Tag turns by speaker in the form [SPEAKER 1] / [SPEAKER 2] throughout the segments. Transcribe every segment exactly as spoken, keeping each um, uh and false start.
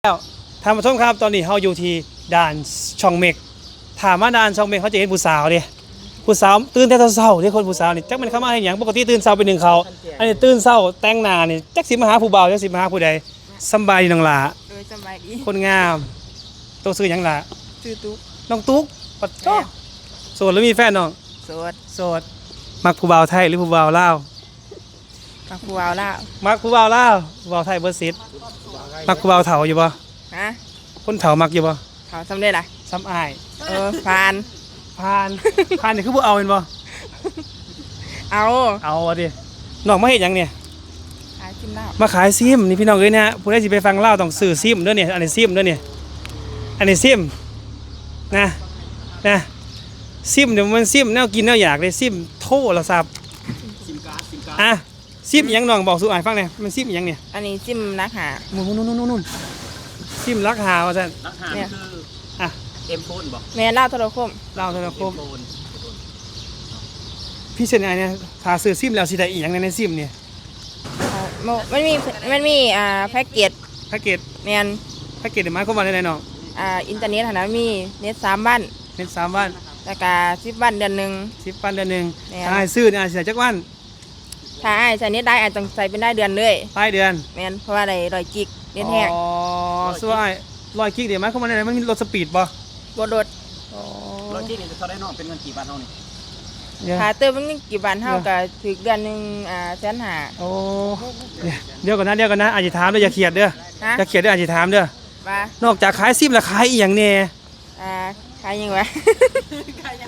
[SPEAKER 1] แล้วท่านผู้ชมครับตอนนี้เราอยู่ที่ด่านช่องเมกถามว่าด่านช่องเมกเขาจะเห็นผู้สาวดิผู้สาวตื่นแต่เช้าที่คนผู้สาวนี่จักมันเข้ามาให้หยังปกติตื่นเช้าไปหนึ่งเขาอันนี้ตื่นเช้าแต่งหน้านี่จักสิมาหาผู้บ่าวจักสิมาหาผู้ใดสำบายดีน้องหล่า
[SPEAKER 2] เออสบายดี
[SPEAKER 1] คนงามตัวซื้อหยังล่ะ
[SPEAKER 2] ชื่อตุ๊ก
[SPEAKER 1] น้องตุ๊กปัดจ้อโสดหรือมีแฟนน้อง
[SPEAKER 2] โสด
[SPEAKER 1] โสดมักผู้บ่าวไทยหรือผู้บ่าวลาว
[SPEAKER 2] มักผู้บ่าวลาว
[SPEAKER 1] มักผู้บ่าวลาวผู้บ่าวไทยเบอร์สิบมักผู้บ่าวเฒ่าอยู่บ่
[SPEAKER 2] ฮะ
[SPEAKER 1] คนเฒ่ามักอยู่บ่
[SPEAKER 2] เขาทำได้ล่ะ
[SPEAKER 1] ซ้ำอ้าย
[SPEAKER 2] เออผ่าน
[SPEAKER 1] ผ่านผ่านนี่คือบ่เอาเห็นบ่
[SPEAKER 2] เอา
[SPEAKER 1] เอาดิน้องมาเฮ็ดหยังเนี่ย
[SPEAKER 2] ขายกินเหล้า
[SPEAKER 1] มาขายซิมนี่พี่น้องเอ้ยนะฮะผู้ใดสิไปฟังเล่าต้องซื้อซิมเด้อเนี่ยอันนี้ซิมเด้อเนี่ยอันนี้ซิมนะนะซิมเดี๋ยวมันซิมแนวกินแนวอยากเลยซิมโทรศัพท์
[SPEAKER 3] ซิมการ์ดซิมการ์ด
[SPEAKER 1] อ่ะซิมหยังน้องบอกสู่อ้ายฟังหน่อยมันซิมหยังเนี่ย
[SPEAKER 2] อันนี้ซิมนักหา
[SPEAKER 1] นู่นๆๆๆๆซิมรักหาว่าซั่น
[SPEAKER 3] รักหาคือ
[SPEAKER 1] อ่ะ
[SPEAKER 3] เอ็มโฟนบ่
[SPEAKER 2] แม่เล่าโทรคม
[SPEAKER 1] เล่าโทรคมพี่เช่นไอ้เนี่ยถ้าซื้อซิมแล้วสิได้อีหยังในซิมเนี่ย
[SPEAKER 2] มันมีมันมีอ่าแพ็กเกจ
[SPEAKER 1] แพ็กเกจ
[SPEAKER 2] แม่น
[SPEAKER 1] แพ็กเกจหมายความว่าได้น้อง
[SPEAKER 2] อ่าอินเทอร์เน็ตหั่นน่ะมีเน็ตสามบ้าน
[SPEAKER 1] เน็ตสามวัน
[SPEAKER 2] แล้วก็สิบวันเดือนนึง
[SPEAKER 1] สิบวันเดือนนึงถ้าให้ซื้อเนี่ยสิได้จักวัน
[SPEAKER 2] ถ้าอ้ายใช้เน็ตได้อาจต้องใส่เป็นได้เดือนเลย
[SPEAKER 1] รายเดือน
[SPEAKER 2] แม่นเพราะว่าได้ร้อยกิกเน็ตแห้ง
[SPEAKER 1] อ๋อส่วนร้อยกิกเดี๋ยวหมายความว่าได้มันมีรถสปีดบ่
[SPEAKER 2] บ่โดด
[SPEAKER 1] อ๋อ
[SPEAKER 3] ร้อยกิกนี่เท่าได้น้องเป็นเงินกี่บาทเฮานี่
[SPEAKER 2] ถ้าเติมมันกี่บาทเฮาก็ถึงเดือนนึงอ่าแสนห้า
[SPEAKER 1] โอ้เดี๋ยวก่อนนะเดี๋ยวก่อนนะอาจจะถามเด้ออย่าเขียดเด้ออย่าเขียดเด้ออาจจะถามเด้อ
[SPEAKER 2] ว่าน
[SPEAKER 1] อกจากขายซิมแล้วขายอีหยังแน่
[SPEAKER 2] อ่าขายยังวะขายยัง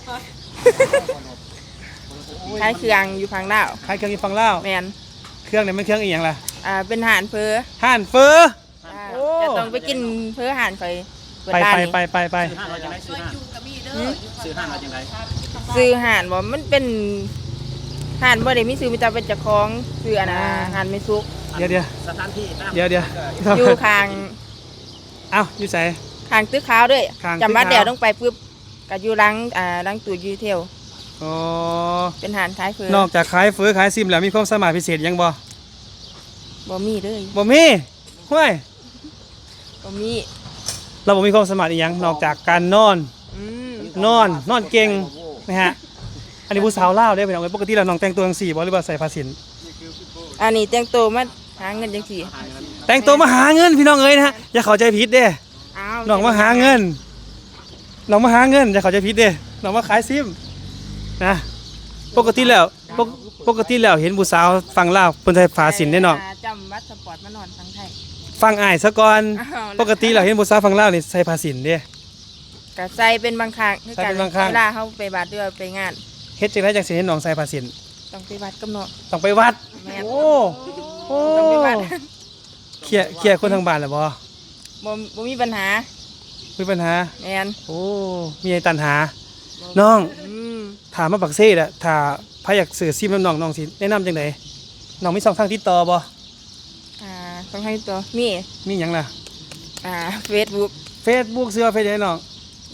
[SPEAKER 2] ขายเครื่องอยู่ฝั่งลาว
[SPEAKER 1] ขายเครื่องอยู่ฝั่งลาว
[SPEAKER 2] แม่น
[SPEAKER 1] เครื่องนี่มันเครื่องอีหยังล่ะ
[SPEAKER 2] อ่าเป็นห่านเฟอ
[SPEAKER 1] ห่านเฟอ
[SPEAKER 2] โอ้จะต้องไปกินเฟอห่านค่อย
[SPEAKER 1] ไปไปไปไปไป
[SPEAKER 3] ซื้อห่านเราจังได๋ซื้อห่านซื้อห่านเราจังได๋
[SPEAKER 2] ซื้อห่านบ่มันเป็นห่านบ่ได้มีซื้อมีแต่เป็นเจ้าของซื้ออันน่ะห่านไม่สุก
[SPEAKER 1] เดี๋ยว
[SPEAKER 3] ๆสถานที่
[SPEAKER 1] เดี๋ยวๆ
[SPEAKER 2] อยู่ข้าง
[SPEAKER 1] เอ้าอยู่ไส
[SPEAKER 2] ข้างตึกขาวด้วยจำวัดเดี๋ยวต้องไปปึ๊บก็อยู่หลังอ่าหลังตู้ยูเทล
[SPEAKER 1] อ๋อ
[SPEAKER 2] เป็นห่านขายเฟอน
[SPEAKER 1] อกจากขายเฟอขายซิมแล้วมีความสามารถพิเศษยังบ่
[SPEAKER 2] บ่มีเลย
[SPEAKER 1] บ่มีห้วย
[SPEAKER 2] บ่มี
[SPEAKER 1] เราบ่มีความสามารถอีหยังนอกจากการนอนนอนนอนเก่งนะฮะอันนี้ผู้สาวลาวเด้อพี่น้องปกติแล้วน้องแต่งตัวจังซี่บ่หรือว่าใส่ผ้าสิน
[SPEAKER 2] อันนี้แต่งตัวมาหาเงินจังซี่
[SPEAKER 1] แต่งตัวมาหาเงินพี่น้องเอ้ยนะฮะอย่าเข้าใจผิดเด้น้องมาหาเงินน้องมาหาเงินอย่าเข้าใจผิดเด้น้องมาขายซิมนะปกติแล้วปกติแล้วเห็นผู้สาวฝั่งลาวเพิ่นใส่ผ้าสินได้น้อง
[SPEAKER 2] จำวัดสปอร์ตมานอนฝั่งไทย
[SPEAKER 1] ฟังอ้ายซะก่อนปกติแล้วเห็นผู้สาวฝั่งลาวนี่ใส่ผ้าสินเด้
[SPEAKER 2] ก็ใส่เป็นบางครั้งคือการเวลาเฮาไปวัดหรือไปงาน
[SPEAKER 1] เฮ็ดจังได๋จังสิเห็นน้องใส่ผ้าสิน
[SPEAKER 2] ต้องไปวัดกับน้อง
[SPEAKER 1] ต้องไปวัดโอ้โอ้ต้องไปวัดเคลียร์เคลียร์คนทางบ้านแล้วบ่
[SPEAKER 2] บ่บ่มีปัญหา
[SPEAKER 1] มีปัญหา
[SPEAKER 2] แม่น
[SPEAKER 1] โอ้มีไอ้ตันหาน้องถามมาปักเซ่ล่ะถ้าพายอยากซื้อซิมน้องน้องสิแนะนำจังได๋น้องมีช่องทางติดต่อบ่
[SPEAKER 2] อ่าช่องทางติดต่อมี
[SPEAKER 1] มีหยังล่ะ
[SPEAKER 2] อ่า Facebook
[SPEAKER 1] Facebook ซื้อเฟซได้น้อง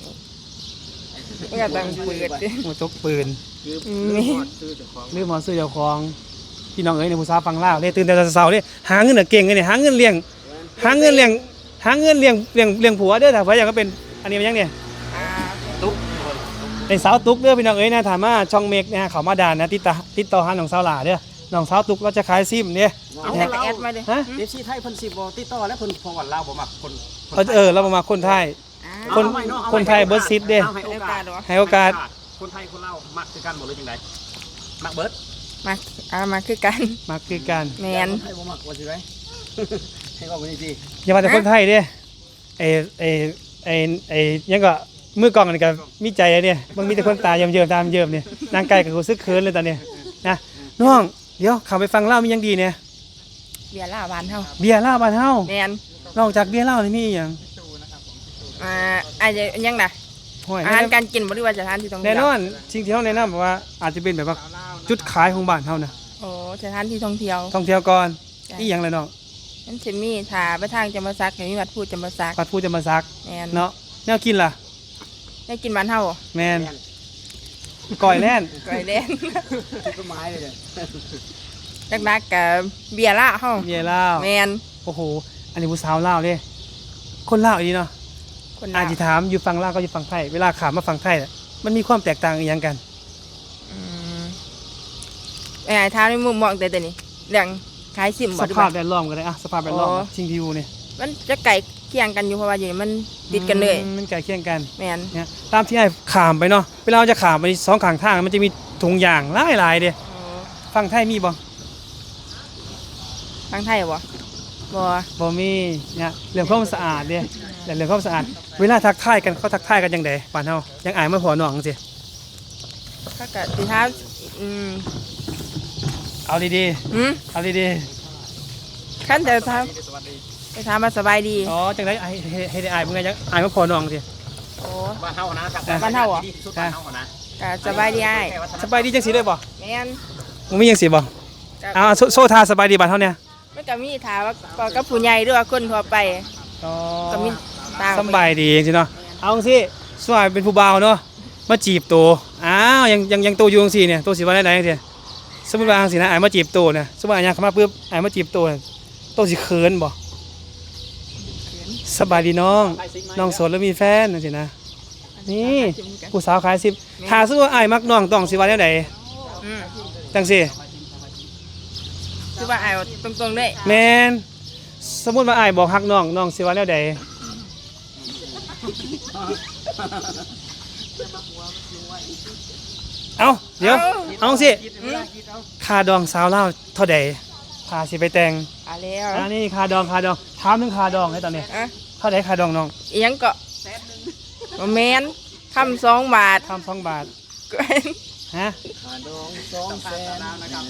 [SPEAKER 2] ก็ต้องเปิดดิ
[SPEAKER 1] โอ้จกปืน
[SPEAKER 2] มี
[SPEAKER 1] ลืมหมอซื้อเจ้าของพี่น้องเอ้ยในผู้สาวฟังลาวเด้ตื่นแต่เช้าๆเด้หาเงินน่ะเก่งเลยหาเงินเลี้ยงหาเงินเลี้ยงหาเงินเลี้ยงเลี้ยงเลี้ยงผัวเด้อถ้าผัวอยากก็เป็นอันนี้มันยังเนี่ย
[SPEAKER 3] ตุ๊ก
[SPEAKER 1] เป็นสาวตุ๊กเด้อพี่น้องเอ้ยนะถามว่าช่องเมกนะเขามาด่านนะติดต่อติดต่อหาน้องสาวหล่าเด้อน้องสาวตุ๊กเราจะขายซิมเนี่ย
[SPEAKER 2] แอดมาเด้
[SPEAKER 1] ฮะ
[SPEAKER 3] เอฟซีไทยเพิ่นสิบ่ติดต่อแล้วเพิ่นพอวันลาวบ่มักคน
[SPEAKER 1] เออเราบ่มักคนไทยคนคนไทยเบิร์ดซิดเด้
[SPEAKER 3] ให้โอกาส
[SPEAKER 1] ให้โอกาส
[SPEAKER 3] คนไทยคนลาวมักคือกันบ่หรือจังได๋มักเบิด
[SPEAKER 2] มักอ่ามักคือกัน
[SPEAKER 1] มักคือกัน
[SPEAKER 2] แม่น
[SPEAKER 3] ไทยบ่มักว่าสิไดให้ว่าบ่นี่สิ
[SPEAKER 1] อย่าว่าแต่คนไทยเด้ไอ้ไอ้ไอ้ไอ้ยังก็มือกล้องนี่ก็มีใจเนี่ยมันมีแต่คนตาเยิ้มๆตามเยิ้มนี่นางไก่ก็รู้สึกเขินเลยตอนนี้นะน้องเดี๋ยวเข้าไปฟังเล่ามียังดีเนี่ย
[SPEAKER 2] เบียร์ลาวบ้านเฮา
[SPEAKER 1] เบียร์ลาวบ้านเฮา
[SPEAKER 2] แม่น
[SPEAKER 1] นอกจากเบียร์ลาวนี่มีอีหยัง
[SPEAKER 2] อ่าอาจจะยังน่ะอาหารการกินบ่หรือว่าสถานที่ท่องเที่ยว
[SPEAKER 1] แน่นอนสิ่งที่เฮาแนะนำว่าอาจจะเป็นแบบว่าจุดขายของบ้านเฮานะ
[SPEAKER 2] โอ้สถานที่ท่องเที่ยว
[SPEAKER 1] ท่องเที่ยวก่อนอีหยังเลยน้อง
[SPEAKER 2] มันสิมีถ้าไปทางจำปาสักมีวัดพูดจำปาสัก
[SPEAKER 1] วัดพูดจำปาสัก
[SPEAKER 2] แม่น
[SPEAKER 1] เนาะแนวกินล่ะ
[SPEAKER 2] แนวกินบ้านเฮา
[SPEAKER 1] แม่นก้อยแล่น
[SPEAKER 2] ก้อยแล่น
[SPEAKER 3] คือต้นไม้เลย
[SPEAKER 2] เด้นักๆกับเบียร์ลาวเฮา
[SPEAKER 1] เบียร์ลาว
[SPEAKER 2] แม่น
[SPEAKER 1] โอ้โหอันนี้ผู้สาวลาวเด้คนลาวอีนี่เนาะ
[SPEAKER 2] คน
[SPEAKER 1] อา
[SPEAKER 2] ลาว
[SPEAKER 1] จสิถามอยู่ฝั่งลาวก็อยู่ฝั่งไทยเวลาขามมาฝั่งไทยน่ะมันมีความแตกต่างอีหยังกัน
[SPEAKER 2] อืมไอ้ท้ามในมุมมองแต่ตัวนี้เรื่องขายซิม
[SPEAKER 1] ส
[SPEAKER 2] บ่ดี
[SPEAKER 1] ภาพ
[SPEAKER 2] บ่
[SPEAKER 1] แวดล้อมกันเลยอะสภาพแวดล้อม
[SPEAKER 2] อ๋อ
[SPEAKER 1] ชิงพิวเนี่ย
[SPEAKER 2] มันจะไก่เคียงกันอยู่เพราะว่าอยู่นี่มันติดกันเลย
[SPEAKER 1] อืมมันใกล้เคียงกัน
[SPEAKER 2] แม่น
[SPEAKER 1] เนี่ยตามที่ไอ้ขามไปเนาะเวลาเราจะขามไปสองข้างทางมันจะมีถุงยางหลายๆเด้ฝั่งไทยมีบ่
[SPEAKER 2] ทางไทยบ่บ่
[SPEAKER 1] บ่มีเนี่ยเรื่องความสะอาดเด้แต่เรื่องความสะอาดเวลาทักทายกันเขาทักทายกันจังไดบ้านเฮายังอายมาพอน้องจังซี่
[SPEAKER 2] ถ้าเกิดสิท้ามอืม
[SPEAKER 1] เอาดี
[SPEAKER 2] หืม
[SPEAKER 1] ๆเอาดี
[SPEAKER 2] ขั้นแต่ท้าม
[SPEAKER 3] สวัสดี
[SPEAKER 2] ไปถามมาสบายดี
[SPEAKER 1] ๆอ๋อจังไดไอ้เฮ็ดให้ได้อายเบิ่งไงจังอายมาพอน้องจังซี่
[SPEAKER 2] โอ้
[SPEAKER 3] บ้านเฮานะ
[SPEAKER 2] บ้านเฮาเหรอ
[SPEAKER 3] ที่สุดบ้านเฮานะ
[SPEAKER 2] ก็สบายดีอ้าย
[SPEAKER 1] สบายดีจังซี่ได้บ่
[SPEAKER 2] แม่น
[SPEAKER 1] มึงมีจังซี่บ่
[SPEAKER 2] ก็
[SPEAKER 1] เอาโซโซทาสบายดีบ้านเฮาเนี่ย
[SPEAKER 2] มันก็มีถามว่าก็กับผู้ใหญ่หรือว่าคนทั่วไป
[SPEAKER 1] อ๋อ
[SPEAKER 2] ก็มีต่าง
[SPEAKER 1] สำบายดีจังซี่เนาะเอาจังซี่สวยเป็นผู้บ่าวเนาะมาจีบตัวอ้าวยังยังยังโตอยู่จังซี่เนี่ยโตสิว่าได้ๆจังซี่สมมุติว่าจังซี่นะอายมาจีบตัวเนี่ยสมมุติว่าอายเข้ามาปุ๊บอายมาจีบตัวเนี่ยโตสิเขินบ่สบายดีน้องน้องโสดแล้วมีแฟนจังซี่นะนี่ผู้สาวขายสิบถ้าสมมุติว่าอายมักน้องต้องสิว่าแนวใด
[SPEAKER 2] อืม
[SPEAKER 1] จังซี่
[SPEAKER 2] คือว่าอ้ายตรงๆเลย
[SPEAKER 1] แม่นสมมุติว่าอายบอกฮักน้องน้องสิว่าแนวใดเอ้าเดี๋ยวเอาจังซี่
[SPEAKER 2] อืม
[SPEAKER 1] ค่าดองสาวเล่าวเท่าใดพาสิไปแต่ง
[SPEAKER 2] อ่าแล้ว
[SPEAKER 1] อันนี้ค่าดองค่าดองถามถึงค่าดองให้ตอนนี้
[SPEAKER 2] อ่ะ
[SPEAKER 1] เท่าใดค่าดองน้อง
[SPEAKER 2] อีหยังก็บ่แม่นคำสองบาท
[SPEAKER 1] ทำสองบาท
[SPEAKER 2] ก็
[SPEAKER 1] ฮะ
[SPEAKER 3] ดองสองแสนนะครับ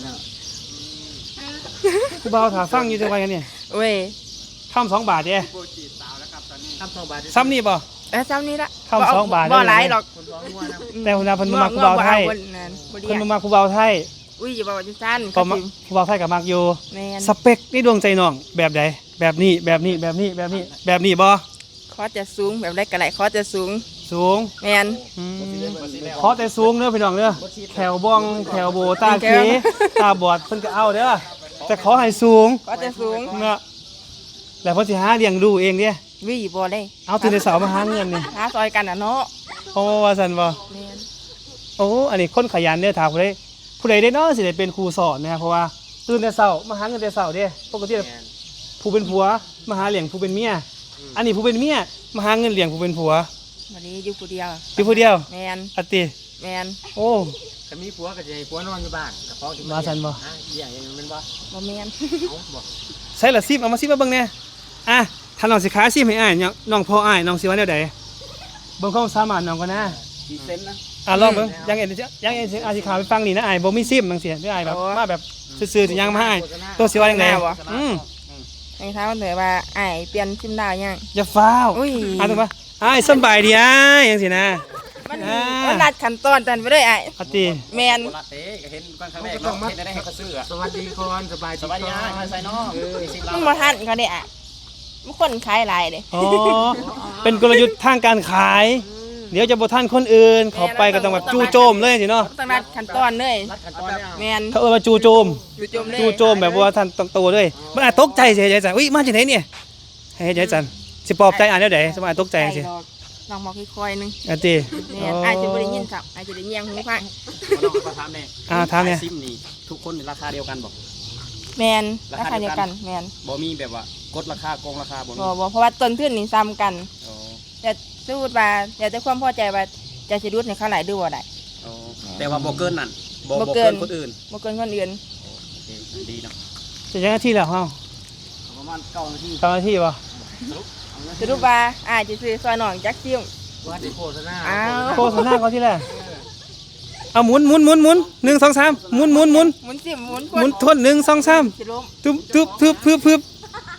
[SPEAKER 1] กูเบาถาฟังอยู่จังไงกันเนี่ย
[SPEAKER 2] เว้ย
[SPEAKER 1] ทำสองบาทเด้
[SPEAKER 3] โปรจีสาวแล้วครับตอนนี้ทำสองบาท
[SPEAKER 1] ซ้ำนี่ป่ะ
[SPEAKER 2] เอ้ยซ้ำนี้ละ
[SPEAKER 1] คำสองบาท
[SPEAKER 2] บ่
[SPEAKER 1] ได้เลย
[SPEAKER 2] หลายหรอก
[SPEAKER 3] คนร้องงัวนะ
[SPEAKER 1] แต่คนนาเพันมากูเบาไทย
[SPEAKER 2] บ่เอาบ่นั่นบ่เรี
[SPEAKER 1] ค
[SPEAKER 2] ย
[SPEAKER 1] น
[SPEAKER 2] ก
[SPEAKER 1] มากูเบาไทย
[SPEAKER 2] อุ้ยอย่าบอกว่าจังซั่น
[SPEAKER 1] ก็มากูเบาไทยกับมักอยู่
[SPEAKER 2] แม่น
[SPEAKER 1] สเปคนี่ดวงใจน้องแบบใดแบบนี้แบบนี้แบบนี้แบบนี้แบบนี้บ่
[SPEAKER 2] คอจะสูงแบบไรก็ไหลคอจะสูง
[SPEAKER 1] สูง
[SPEAKER 2] แม่น
[SPEAKER 1] อืมขอแต่สูงเด้อพี่น้องเด้อแขวบ้องแขวโบตาเค
[SPEAKER 2] แขว
[SPEAKER 1] ตาบอดเพิ่นก็เอาเด้อแต่ขอให้สูง
[SPEAKER 2] คอจะสูง
[SPEAKER 1] เนาะแล้วเพิ่นสิหาเลี้ยงดูเองเด้
[SPEAKER 2] วิบ่ได้
[SPEAKER 1] เอาตื่นแต่เช้ามาหาเงินนี่
[SPEAKER 2] หาซอยกันน่ะเนาะ
[SPEAKER 1] โอ้ว่าซั่นบ่
[SPEAKER 2] แม่น
[SPEAKER 1] โอ้อันนี้คนขยันเด้อถามผู้ใดผู้ใดได้เนาะสิได้เป็นครูสอนนะครับเพราะว่าตื่นแต่เช้ามาหาเงินแต่เช้าเด้ปกติผู้เป็นผัวมาหาเลี้ยงผู้เป็นเมียอันนี้ผู้เป็นเมียมาหาเงินเลี้ยงผู้เป็นผัว
[SPEAKER 2] บ่ได้อยู่ผู้เดียว
[SPEAKER 1] อยู่ผู้เดียว
[SPEAKER 2] แม่น
[SPEAKER 1] อัตติ
[SPEAKER 2] แม่น
[SPEAKER 1] โอ้
[SPEAKER 3] ถ้ามีผัวก็จะให้ผัวนอนอยู่บ้านกับพ่อที่
[SPEAKER 1] ว่าซั่นบ่
[SPEAKER 3] อ่ะเลี้ยงอย่างนั้นมันบ่
[SPEAKER 2] บ่แม่น
[SPEAKER 3] เอาบ่
[SPEAKER 1] ใส่ละซิมเอามาซิมมาเบิ่งแหน่อ่ะถ้าน้องสิขายซิมให้อ้ายเนี่ยน้องพ่ออ้ายน้องสิว่าแนวใดเบิ่งความสามารถน้องก่อนนะ
[SPEAKER 3] กี่เซนนะ
[SPEAKER 1] อ่ะลองเบิ่งยังเอ็นยังเอ็นอาสิขายไปฟังนี่นะอ้ายบ่มีซิมจังซี่เด้ออ้ายแบบมาแบบซื่อๆสิยังมาให้อ้ายตัวสิว่าจังไดอืม
[SPEAKER 2] ให้ถามเถอะว่าอ้ายเปลี่ยนซิมดาวยัง
[SPEAKER 1] อย่าฟ้าว
[SPEAKER 2] อุ้ย
[SPEAKER 1] อ่ะถูกปะอ้ายสำบายดีอ้ายจังซี่นะ
[SPEAKER 2] มัน
[SPEAKER 1] อ่า
[SPEAKER 2] มันนัดขั้นตอนตันไปเลยอ้าย
[SPEAKER 1] อัตติ
[SPEAKER 2] แม่น
[SPEAKER 3] โคราชเต้ก็เห็นกันครั้งแรกเนาะเห็นได้ให้เขาซื้ออะสวัสดีก่อนสบายสบายดีมาใส่น้องเออสิ
[SPEAKER 2] มันบ่ทันเขาได้อ่ะมันคนขายหลายเด้
[SPEAKER 1] อ๋อเป็นกลยุทธ์ทางการขาย เดี๋ยวจะบ่ทันคนอื่นเขาไปก็ต้องแบบจู่โจมเลยสิเนาะ
[SPEAKER 2] ต้องนัดขั้นตอนเลย
[SPEAKER 3] รัดขั้นตอนเนี่ย
[SPEAKER 2] แม่น
[SPEAKER 1] เขาเอิ้นว่าจู่โจม
[SPEAKER 2] จู่โจมเลย
[SPEAKER 1] จู่โจมแบบว่าท่านต้องโตเลยมันอาจตกใจสิยายจันอุ้ยมาจากไหนเนี่ยให้ยายจันสิปลอบใจอ่านแล้วไดสมัยตกใจสิ
[SPEAKER 2] ดอกลองบอกค่อยๆนึง
[SPEAKER 1] อันติ
[SPEAKER 2] แม่นอาจจะบ่ได้ยินครับอาจจะได้เงียงหูฟัง
[SPEAKER 3] น้องก็ถามแน่
[SPEAKER 1] อ่าถามเนี่ย
[SPEAKER 3] ซิมนี่ทุกคนราคาเดียวกันบ่
[SPEAKER 2] แม่นราคาเดียวกันแม่น
[SPEAKER 3] บ่มีแบบว่ากดราคาโกงราคาบ่มี
[SPEAKER 2] บ่บ่เพราะว่าต้นทุนนี่ซ้ำกัน
[SPEAKER 3] อ๋อ
[SPEAKER 2] แต่สมมุติว่าอยากได้ความพอใจว่าจะสิรุดในเขาหลายดูบ่ได้
[SPEAKER 3] อ๋อแต่ว่าบ่เกินนั่นบ่
[SPEAKER 2] บ่
[SPEAKER 3] บ่
[SPEAKER 2] เกิ
[SPEAKER 3] เกิ
[SPEAKER 2] น
[SPEAKER 3] นคนอื่น
[SPEAKER 2] บ่เกินคนอื่น
[SPEAKER 3] โอเคดีเนาะ
[SPEAKER 1] จะยังนาทีแล้วเฮา
[SPEAKER 3] ประมาณเก้านาที
[SPEAKER 1] เก้านาทีบ่
[SPEAKER 2] สรุปว่าอาจจะซื้อซอยหนองจักซิ่ม
[SPEAKER 3] ว่าสิโฆษณา
[SPEAKER 2] อ้าว
[SPEAKER 1] โฆษณาเขาที่แรกเอาหมุนหมุนหมุนหมุนหนึ่งสองสามหมุนหมุนหมุน
[SPEAKER 2] หมุนซิ่มหมุน
[SPEAKER 1] หมุนทวนหนึ่งสองสาม
[SPEAKER 2] สิล้ม
[SPEAKER 1] ทึบทึบทึบทึบทึบ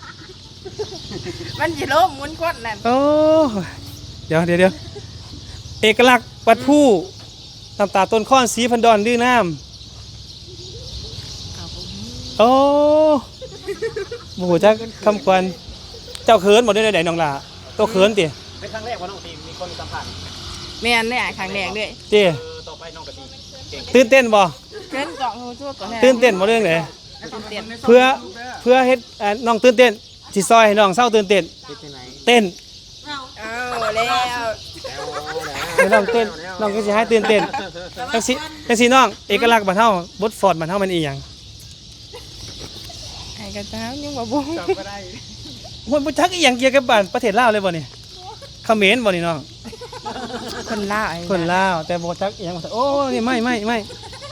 [SPEAKER 2] มันสิล้มหมุนคนนั่น
[SPEAKER 1] โอ้เดี๋ยวเดี๋ยวเดี๋ยวเอกลักษณ์วัดผู้น้ำตาต้นข้อนสีพันดอนดื้อน้ำโอ้โหจักคำควันเจ้าเขินหมดได้ไหนน้องล่ะตัวเขินติ
[SPEAKER 3] เป็นครั้งแรกว่าน้องทีมมีคนสัมผัส
[SPEAKER 2] แม่นได้อ่ะครั้งแรกด้วย
[SPEAKER 1] ติ
[SPEAKER 3] เออต่อไปน้องกะทิเก่ง
[SPEAKER 1] ตื่นเต้นบ่
[SPEAKER 2] เกินเกาะหูทั่วก่อน
[SPEAKER 1] ตื่นเต้นบ่เรื่องไหน
[SPEAKER 2] ตื่นเต้น
[SPEAKER 1] เพื่อเพื่อเฮ็ดอ่าน้องตื่นเต้นสิซอยให้น้องเศร้าตื่นเต้น
[SPEAKER 3] เฮ็ดจังไหน
[SPEAKER 1] เต้น
[SPEAKER 2] แล้ว
[SPEAKER 1] เดี๋ยวน้องเต้นน้องก็สิให้ตื่นเต้นจังสิจังสิน้องเอกลักษณ์บ้านเฮาบทฟอร์ดบ้านเฮามันอีหยัง
[SPEAKER 2] ไอ้กระเจ้ายังบ่บ่
[SPEAKER 3] จำก็ได้
[SPEAKER 1] โอ้ยบ่จักอีหยังเกี่ยวกับบ้านประเทศลาวเลยบ่นี่เขมรบ่นี่น้อง
[SPEAKER 2] คนลาวไอ้
[SPEAKER 1] คนลาวแต่บ่จักอีหยังโอ้นี่ไม่ไม่ไม่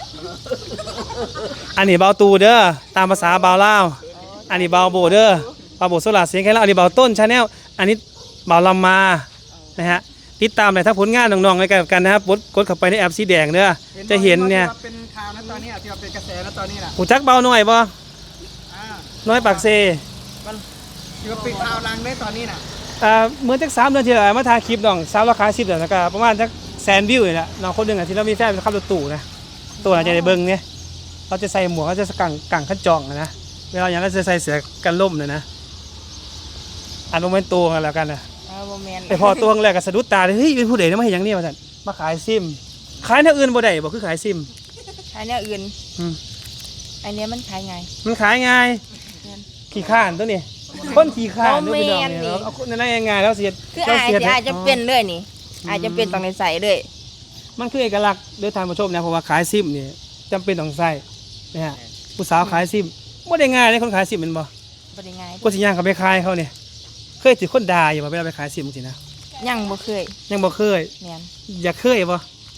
[SPEAKER 1] อันนี้เบาตูเด้อตามภาษาเบาลาวอันนี้เบาโบเด้อเบาโบโซลาเสียงแค่ลาวอันนี้เบาต้นชาแนลอันนี้เบาลำมานะฮะติดตามเลยถ้าผลงานน้องๆในกันกันนะครับกดกดเข้าไปในแอปสีแดงเด้อจะเห็นเนี่ย
[SPEAKER 3] เป็นข่าวนะตอนนี้ที่ว่าเป็นกระแสนะตอนนี้น่ะ
[SPEAKER 1] หูจักเบาหน่อยบ่
[SPEAKER 3] อ่า
[SPEAKER 1] น้อยปากเซ
[SPEAKER 3] ที่ว่าเป็นข่าวดังได้ตอนนี้น่ะ
[SPEAKER 1] อ่าเหมือนจักสามเดือนที่แล้วมาถ่ายคลิปน้องสาวราคาสิบเดือนแล้วก็ประมาณจักแสนวิวนี่แหละน้องคนหนึงอ่ะที่เรามีแฟนเป็นขับรถตู้นะตัวน่าจะได้เบิ่งเนี่ยเราจะใส่หมวกเราจะกังกังขันจองอะนะเวลาอย่างเราจะใส่เสื้อกันล่มเลยนะอันโมเมนต์ตัวกันแล้วกันนะ
[SPEAKER 2] เออบ่แม่น
[SPEAKER 1] แต่พอตัวแรกก็สะดุดตาเลยเฮ้ยเป็นผู้ใดนะมาเห็นอย่างนี้มาสั่นมาขายซิมขายแนวอื่นบ่ได้บ่คือขายซิม
[SPEAKER 2] ขายแนวอื่น
[SPEAKER 1] อืม
[SPEAKER 2] อันเนี้ยมันขายไง
[SPEAKER 1] มันขายง่ายขี้ข้านตัวนี้คนขี้ข้านด้วยพี่น้องเนี่ยเอาคนนั้นได้ยังไงแล้วเสีย
[SPEAKER 2] คืออายสิอายจะเป็นเลยนี่อายจะเป็นต้องได้ใส่เลย
[SPEAKER 1] มันคือเอกลักษณ์โดยทานผู้ชมนะเพราะว่าขายซิมนี่จำเป็นต้องใส่นะฮะผู้สาวขายซิมบ่ได้ง่ายเลยคนขายซิมแมันบ่
[SPEAKER 2] บ่ได้ง่าย
[SPEAKER 1] ก็สิย่างเขาไปขายเขาเนี่ยเคยถือคนด่าอยู่บ่เวลาไปขายซิมจริงๆนะ
[SPEAKER 2] ยังบ่เคย
[SPEAKER 1] ยังบ่เคย
[SPEAKER 2] แม่น
[SPEAKER 1] อยากเคยบ่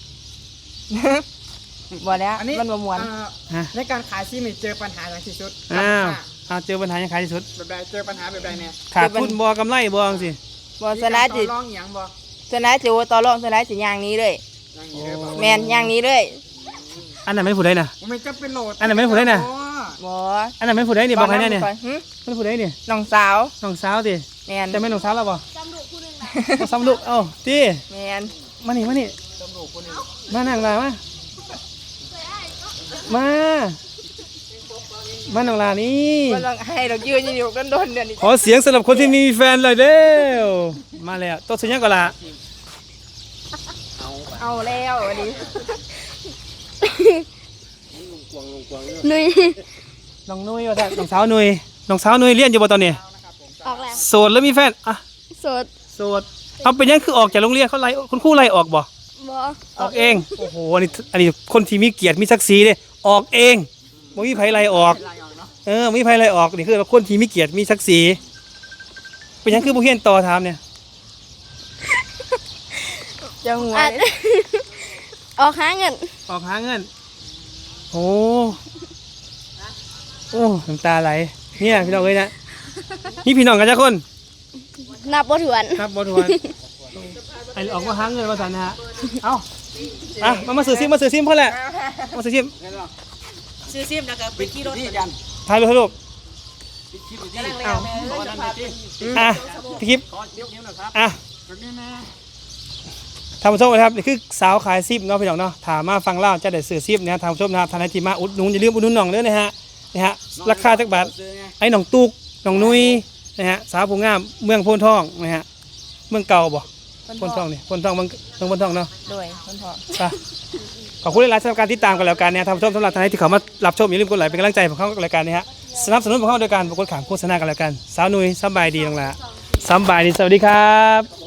[SPEAKER 2] บ่แล้ว
[SPEAKER 3] อันนี้
[SPEAKER 2] มันบ่ม่วน
[SPEAKER 3] อ่า
[SPEAKER 1] ฮะ
[SPEAKER 3] ในการขายซีมีเจอปัญหาอย่างที่สุด
[SPEAKER 1] อ้าวอ้าวเจอปัญหายังขายที่สุด
[SPEAKER 3] แบบใดเจอปัญหาแบบใดเนี่ย
[SPEAKER 1] ขาดทุนบ่กำไรบ่จังซี่
[SPEAKER 2] บ่สนะ
[SPEAKER 3] มี
[SPEAKER 2] สิ
[SPEAKER 3] การต่อรองอหย่างบ่
[SPEAKER 2] สนะสิว่าต่อรองสนะสิย่างนี้เลย
[SPEAKER 3] อย่างนี้เลยบ่
[SPEAKER 2] แม่นย่างนี้เลย
[SPEAKER 1] อันนั้นไม่ผู้ใดน่ะ
[SPEAKER 3] มันจะเป็นโหลด
[SPEAKER 1] อันนั้นไม่พูดได้น่ะ
[SPEAKER 2] บ่
[SPEAKER 1] อันนั้นไม่ผู้ใดนี่บอกให้แน่เนี่ย
[SPEAKER 2] ก่อหึ
[SPEAKER 1] มันผู้ใดนี่
[SPEAKER 2] น้องสาว
[SPEAKER 1] น้องสาวติ
[SPEAKER 2] แม่น
[SPEAKER 1] จะแม่นน้องสาวแล้วบ่ซ้ำลูกผู้นึงนะซ้ำลูกเอ้าติ
[SPEAKER 2] แม่น
[SPEAKER 1] มานี่มานี่มานั่งลามามามาน้องลานี่
[SPEAKER 2] บ่ต้องให้ดอกยืนอยู่กันโดนเดี๋ยวนี้
[SPEAKER 1] ขอเสียงสำหรับคนที่มีแฟนเลยเร็วมาแล้วตัวสุดยังก็ละ
[SPEAKER 2] เอาแล้วอันนี้
[SPEAKER 4] นุย
[SPEAKER 1] น้องนุ้ยว่าแต่น้องสาวนุ้ยน้องสาวนุ้ยเรียนอยู่บ่ตอนนี้
[SPEAKER 4] ออกแล้ว
[SPEAKER 1] โสดแล้วมีแฟนอ่ะ
[SPEAKER 4] โสด
[SPEAKER 1] โสดเอาเป็นยังคือออกจากโรงเรียนเขาไล่คุณครูไล่ออกบ่
[SPEAKER 4] บอ
[SPEAKER 1] ออกเองโอ้โหอันนี้อันนี้คนที่มีเกียรติมีศักดิ์ศรีเลยออกเองบ่มีไผไล่ออกเออบ่มีไผไล่ออกนี่คือคนที่มีเกียรติมีศักดิ์ศรีเป็นยังคือบ่เฮียนต่อถามเนี่ย
[SPEAKER 2] จะหัว
[SPEAKER 4] อัด
[SPEAKER 2] เลย
[SPEAKER 4] ออกหาเงิน
[SPEAKER 1] ออกหาเงินโอ้โอ้น้ำตาไหลเนี่ยพี่น้องเอ้ยนะนี่พี่น้องกันจ้าคน
[SPEAKER 4] นับบ่ถวน
[SPEAKER 1] ครับบทวนไอ้ออกมาหาเงินมาสันนะฮะเอ้าอ่ะมามาซื้อซิมมาซื้อซิมพ่อแหละมาซื้อซิม
[SPEAKER 2] ซื้อซิมแล้วก็ไปขี่รถ
[SPEAKER 3] ที่ยัน
[SPEAKER 1] ถ่ายรูปถ่ายรูป
[SPEAKER 3] คลิปอยู่ที่
[SPEAKER 1] เอา
[SPEAKER 3] ขอนั่นหน่อยที่
[SPEAKER 1] อ่ะพี่คลิป
[SPEAKER 3] ขอเดี๋ยวนิ้วหน่อยครับ
[SPEAKER 1] อ่ะ
[SPEAKER 3] แบบนี้นะ
[SPEAKER 1] ท่านผู้ชมนะครับนี่คือสาวขายซิปเนาะพี่น้องเนาะถามมาฟังเล่าจะได้ซื้อซิปนะท่านผู้ชมนะครับท่านใดที่มาอุดหนุนอย่าลืมอุดหนุนน้องเด้อนะฮะนะฮะราคาจักบาท
[SPEAKER 3] ซื้อไง
[SPEAKER 1] ไอ้น้องตุกน้องนุ้ยนะฮะสาวผู้งามเมืองโพนทองนะฮะเมืองเก่าบ่โพนทองนี่โพนทองเมืองเมืองโพนทองเนาะ
[SPEAKER 2] ด้วยคนพอ
[SPEAKER 1] ไปขอบคุณหลายๆสำหรับการติดตามกันแล้วกันเนี่ยท่านผู้ชมสำหรับท่านใดที่เขามารับชมอย่าลืมกดไลค์เป็นกำลังใจของเขากับรายการนี้ฮะสนับสนุนของเขาโดยการกดขามโฆษณากันแล้วกันสาวนุ้ยสบายดีน้องละสบายดีสวัสดีครับ